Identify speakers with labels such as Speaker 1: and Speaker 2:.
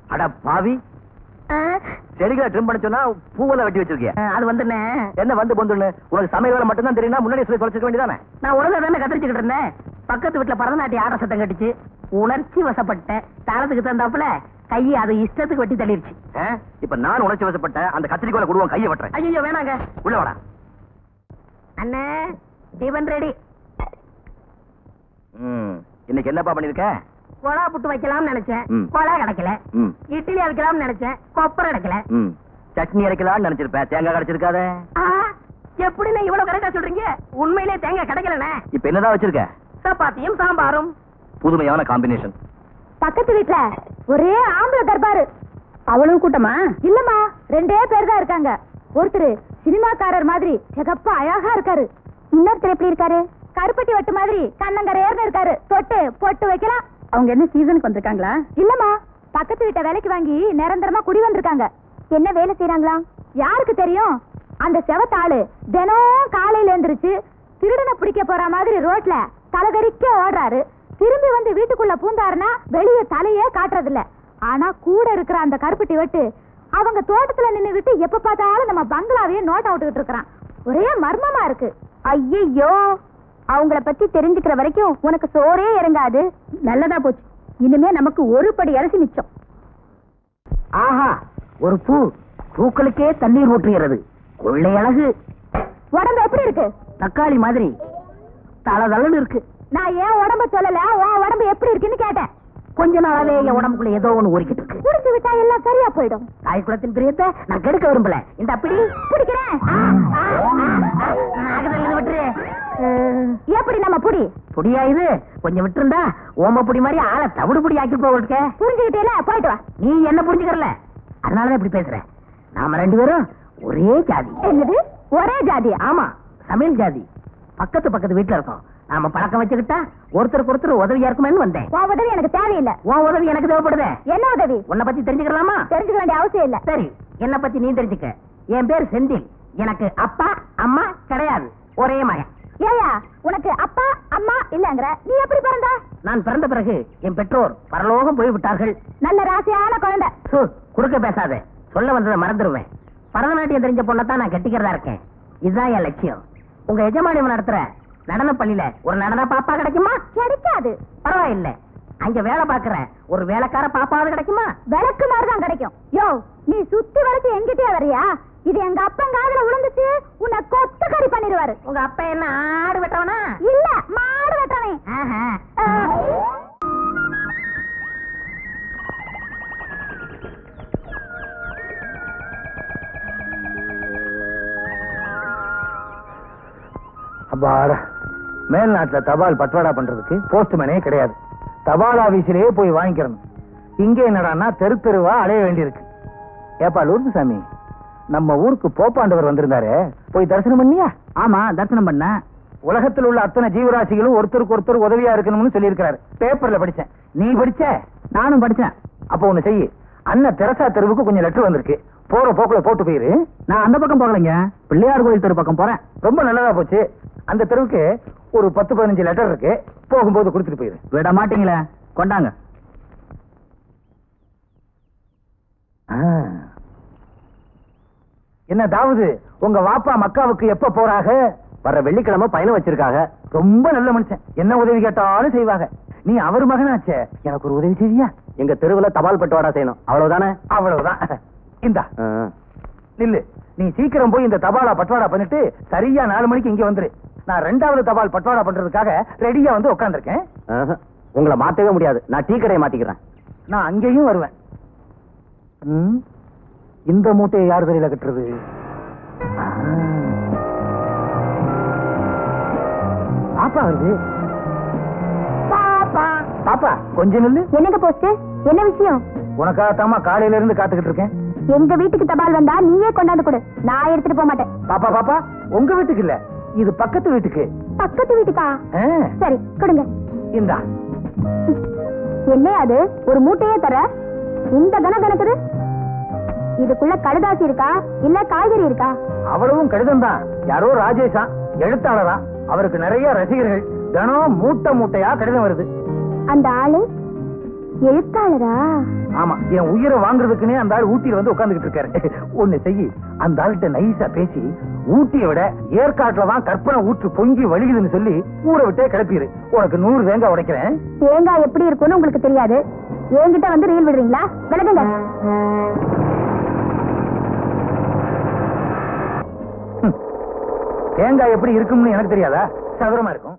Speaker 1: அட பாவி, செடிகளை ட்ரிம் பண்ண சொன்னா பூவெல்லாம் வெட்டி வச்சிருக்கேன்.
Speaker 2: அது வந்துண்ணே.
Speaker 1: என்ன வந்து பொந்துன்னு? உனக்கு சமையல் வேலை மட்டும் தான் தெரியுமா? முன்னாடி சொல்லி தொலைச்சிக்க வேண்டியதானே?
Speaker 2: நான் உலக தானே கத்திரிச்சுக்கிட்டு இருந்தேன். பக்கத்து வீட்டுல பரதநாட்டிய ஆட சத்தம் கட்டிச்சு. உணர்ச்சி வசப்பட்டேன். தாளத்துக்கு தந்தாப்புல கையை அது இஷ்டத்துக்கு வெட்டி தள்ளிருச்சு.
Speaker 1: இப்ப நான் உணர்ச்சி வசப்பட்ட அந்த கத்திரிக்கோலை கொடுவோம், கையை வெட்டுறேன்.
Speaker 2: ஐயோ வேணாங்க.
Speaker 1: உள்ள வாடா.
Speaker 2: அண்ணே டிபன் ரெடி.
Speaker 1: இன்னைக்கு என்னப்பா பண்ணிருக்க?
Speaker 2: கொலா புட்டு வைக்கலாம்னு நினைச்சேன்,
Speaker 1: ம்.
Speaker 2: கொலா கிடைக்கல.
Speaker 1: ம்.
Speaker 2: இட்லி அரைக்கலாம்னு நினைச்சேன், கொப்பரை கிடைக்கல.
Speaker 1: சட்னி அரைக்கலாம்னு நினைச்சிருப்பேன், தேங்காய் கிடைச்சிருக்காத.
Speaker 2: எப்படின்னு இவ்வளவு கரெக்டா சொல்றீங்க? உண்மையிலே தேங்காய் கிடைக்கலண்ணே.
Speaker 1: இப்ப என்னதான் வச்சிருக்க?
Speaker 2: சப்பாத்தியும் சாம்பாரும்.
Speaker 1: புதுமையான காம்பினேஷன்.
Speaker 3: பக்கத்து வீட்டுல ஒரே ஆம்பளை தர்பாரு. அவ்வளவு கூட்டமா? இல்லம்மா, 2 பேர் தான் இருக்காங்க. ஒருத்தர் சினிமாக்காரர் மாதிரி சிகப்பா அழகா இருக்காரு. இன்னொருத்தர் எப்படி இருக்காரு? கருப்பட்டி வெட்டு மாதிரி கண்ணங்கரையர்னு இருக்காரு. தொட்டு பொட்டு வைக்கலாம். அவங்க என்ன சீசனுக்கு வந்திருக்காங்களா? இல்லம்மா, பக்கத்து வீட்டை வேலைக்கு வாங்கி நிரந்தரமா குடி வந்திருக்காங்க. என்ன வேலை செய்யறாங்களா? யாருக்கு தெரியும்? அந்த செவத்தாளு தினம் காலையில எழுந்திருச்சு திருடனை பிடிக்க போற மாதிரி ரோட்ல தலகரிக்க ஓடுறாரு. திரும்பி வந்து வீட்டுக்குள்ள பூந்தாருன்னா வெளியே தலையே காட்டுறது இல்ல. ஆனா கூட இருக்கிற அந்த கருப்பட்டி வெட்டு அவங்க தோட்டத்துல நின்னுகிட்டு எப்ப பார்த்தாலும் நம்ம பங்களாவையே நோட் அவுட்டுக்கிட்டு இருக்கிறான். ஒரே மர்மமா இருக்கு. ஐயோ, அவங்கள பத்தி தெரிஞ்சுக்கிற வரைக்கும் உனக்கு சோறே இறங்காது. நல்லதா போச்சு, இனிமே நமக்கு ஒரு படி அரிசி மிச்சம்.
Speaker 2: ஆஹா, ஒரு பூ பூக்களுக்கே தண்ணீர் ஊற்றுகிறது. கொள்ளை அழகு.
Speaker 3: உடம்பு எப்படி இருக்கு?
Speaker 2: தக்காளி மாதிரி தளதளன்னு இருக்கு.
Speaker 3: நான் ஏன் உடம்ப சொல்லல, உன் உடம்பு எப்படி இருக்குன்னு கேட்டேன்.
Speaker 2: கொஞ்ச நாளாவே என் உடம்புக்குள்ள ஏதோ ஒண்ணு ஊறிக்கிட்டு இருக்கு.
Speaker 3: குடிச்சு விட்டா எல்லாம் சரியா போயிடும்.
Speaker 2: தாய் குலத்தின் பிரியத்தை நான் கெடுக்க விரும்பல. இந்த அப்படி
Speaker 3: பிடிக்கிறேன்.
Speaker 2: விட்டுரு.
Speaker 3: எப்படி நம்ம புடி?
Speaker 2: புடியா இது? கொஞ்சம் விட்டுருந்தா ஓம புடி மாதிரி ஆளை தவிடு புடி ஆக்கி போக.
Speaker 3: புரிஞ்சுக்கிட்டே போயிட்டு வா.
Speaker 2: நீ என்ன புரிஞ்சுக்கறல, அதனாலதான் இப்படி பேசுறேன். நாம 2 பேரும் ஒரே ஜாதி.
Speaker 3: என்னது ஒரே ஜாதி?
Speaker 2: ஆமா, சமையல் ஜாதி. பக்கத்து வீட்டுல இருக்கோம். நாம பழக்கம் வச்சுக்கிட்டா ஒருத்தருக்கு ஒருத்தர் உதவியா இருக்குமேன்னு வந்தேன்.
Speaker 3: உன் உதவி எனக்கு தேவையில்லை.
Speaker 2: உன் உதவி எனக்கு தேவைப்படுது.
Speaker 3: என்ன உதவி?
Speaker 2: உன்னை பத்தி தெரிஞ்சுக்கலாமா?
Speaker 3: தெரிஞ்சுக்க வேண்டிய அவசியம் இல்ல.
Speaker 2: சரி, என்ன பத்தி நீ தெரிஞ்சுக்க. என் பேர் செந்தில். எனக்கு அப்பா அம்மா கிடையாது, ஒரே மகன்.
Speaker 3: ஏயா, உனக்கு அப்பா அம்மா இல்லங்கற, நீ எப்படி பிறந்த?
Speaker 2: நான் பிறந்த பிறகு என் பெற்றோர் பரலோகம் போய் விட்டார்கள்.
Speaker 3: நல்ல ராசியான குழந்தை.
Speaker 2: குறுக்க பேசாத, சொல்ல வந்ததை மறந்துடுவேன். பரதநாட்டியம் தெரிஞ்ச பொண்ணத்தான் நான் கட்டிக்கிறதா இருக்கேன். இதுதான் என் லட்சியம். உங்க எஜமானி நடத்துற நடன பள்ளியில ஒரு நடன பாப்பா கிடைக்குமா?
Speaker 3: கிடைக்காது.
Speaker 2: பரவாயில்ல, அங்க வேலை பாக்குற ஒரு வேலைக்கார பாப்பாவது கிடைக்குமா?
Speaker 3: விளக்கு மாதிரிதான் கிடைக்கும். யோ, நீ சுத்தி வளைச்சு எங்கிட்டே வரியா? இது எங்க அப்பன் காதுல விழுந்துச்சு, உன்னை கொத்து கறி பண்ணிடுவாரு.
Speaker 2: உங்க அப்பா என்ன ஆடு வெட்டவனா?
Speaker 3: இல்ல, மாடு வெட்டவன்.
Speaker 1: அப்பாடா, மேல்நாட்டுல தபால் பட்வாடா பண்றதுக்கு போஸ்ட்மேனே கிடையாது. தபால் ஆபீஸிலேயே போய் வாங்கிக்கிறணும். இங்கே என்னடான்னா தெரு தெருவா அலைய வேண்டியிருக்கு. ஏப்பா லூர்து சாமி, நம்ம ஊருக்கு போப்பாண்டவர் வந்திருந்தாரு, போய் தரிசனம் பண்ணியா?
Speaker 2: ஆமா, தரிசனம் பண்ண.
Speaker 1: உலகத்தில் உள்ள அத்தனை ஜீவராசிகளும் ஒருத்தருக்கு ஒருத்தர் உதவியா இருக்கணும்னு சொல்லி இருக்காரு. பேப்பர்ல படிச்சேன். நீ படிச்ச?
Speaker 2: நானும் படிச்சேன்.
Speaker 1: அப்ப ஒண்ணு செய்யு, அண்ணன் தெரசா தெருவுக்கு கொஞ்சம் லெட்டர் வந்திருக்கு, போற போக்குல போட்டு போயிரு.
Speaker 2: நான் அந்த பக்கம் போகலைங்க, பிள்ளையார் கோயில் தெரு பக்கம் போறேன்.
Speaker 1: ரொம்ப நல்லதா போச்சு. அந்த தெருவுக்கு ஒரு 10-15 லெட்டர் இருக்கு, போகும்போது கொடுத்துட்டு போயிரு.
Speaker 2: விட மாட்டீங்களே, கொண்டாங்க.
Speaker 1: என்ன தாவது, உங்க வாப்பா மக்காவுக்கு எப்ப போறாக? வர வெள்ளிக்கிழமை பயணம் வச்சிருக்காங்க. ரொம்ப நல்ல மனுஷன், என்ன உதவி கேட்டாலும் செய்வாங்க. நீ அவர் மகனாச்சே, எனக்கு ஒரு உதவி செய்வியா? எங்க தெருவுல தபால் பட்டுவாடா செய்யணும், அவ்வளவுதானே? அவ்வளவுதான். இந்தா நில்லு, நீ சீக்கிரம் போய் இந்த தபாலா பட்டுவாடா பண்ணிட்டு சரியா 4 மணிக்கு இங்க வந்துரு. நான் 2வது தபால் பட்டுவாடா பண்றதுக்காக ரெடியா வந்து உட்கார்ந்திருக்கேன். உங்களை மாத்தவே முடியாது, நான் டீ கடையை மாத்திக்கிறேன். நான் அங்கேயும் வருவேன். இந்த மூட்டையை யார் வெளியில கட்டுறது? பாப்பா வருது.
Speaker 3: பாப்பா
Speaker 1: பாப்பா கொஞ்சம் நில்லு.
Speaker 3: என்னங்க போஸ்ட்? என்ன விஷயம்?
Speaker 1: உனக்காகத்தாமா காலையில இருந்து காத்துக்கிட்டு இருக்கேன்.
Speaker 3: எங்க வீட்டுக்கு தபால் வந்தா நீயே கொண்டாந்து கொடு, நான் எடுத்துட்டு போக மாட்டேன்.
Speaker 1: பாப்பா பாப்பா, உங்க வீட்டுக்கு இல்ல, இது பக்கத்து வீட்டுக்கு.
Speaker 3: பக்கத்து வீட்டுக்கா? சரி கொடுங்க.
Speaker 1: இந்தா.
Speaker 3: என்ன அது, ஒரு மூட்டையே தர? இந்த கணக்குது. இதுக்குள்ள கடுதாசி இருக்கா இல்ல காய்கறி இருக்கா?
Speaker 1: அவ்வளவும் கடிதம் தான். யாரோ ராஜேஷா, எழுத்தாளரா, அவருக்கு நிறைய ரசிகர்கள். தினம் மூட்டை மூட்டையா கடிதம் வருது.
Speaker 3: அந்த ஆளு எழுத்தாளரா?
Speaker 1: ஆமா, என் உயிரை வாங்குறதுக்குன்னே அந்த ஆள் ஊட்டியில வந்து உட்கார்ந்துகிட்டு இருக்காரு. ஒண்ணு செய்யி, அந்த ஆள்கிட்ட நைஸா பேசி ஊட்டியை விட ஏற்காட்டுல தான் கற்பனை ஊற்று பொங்கி வழியுதுன்னு சொல்லி ஊரை விட்டே கிளப்பிடு. உனக்கு 100 தேங்காய் உடைக்கிறேன்.
Speaker 3: தேங்காய் எப்படி இருக்கும்னு உங்களுக்கு தெரியாது, என்கிட்ட வந்து ரீல் விடுறீங்களா? விலகுங்க.
Speaker 1: தேங்காய் எப்படி இருக்கும்னு எனக்கு தெரியாதா? சதுரமா இருக்கும்.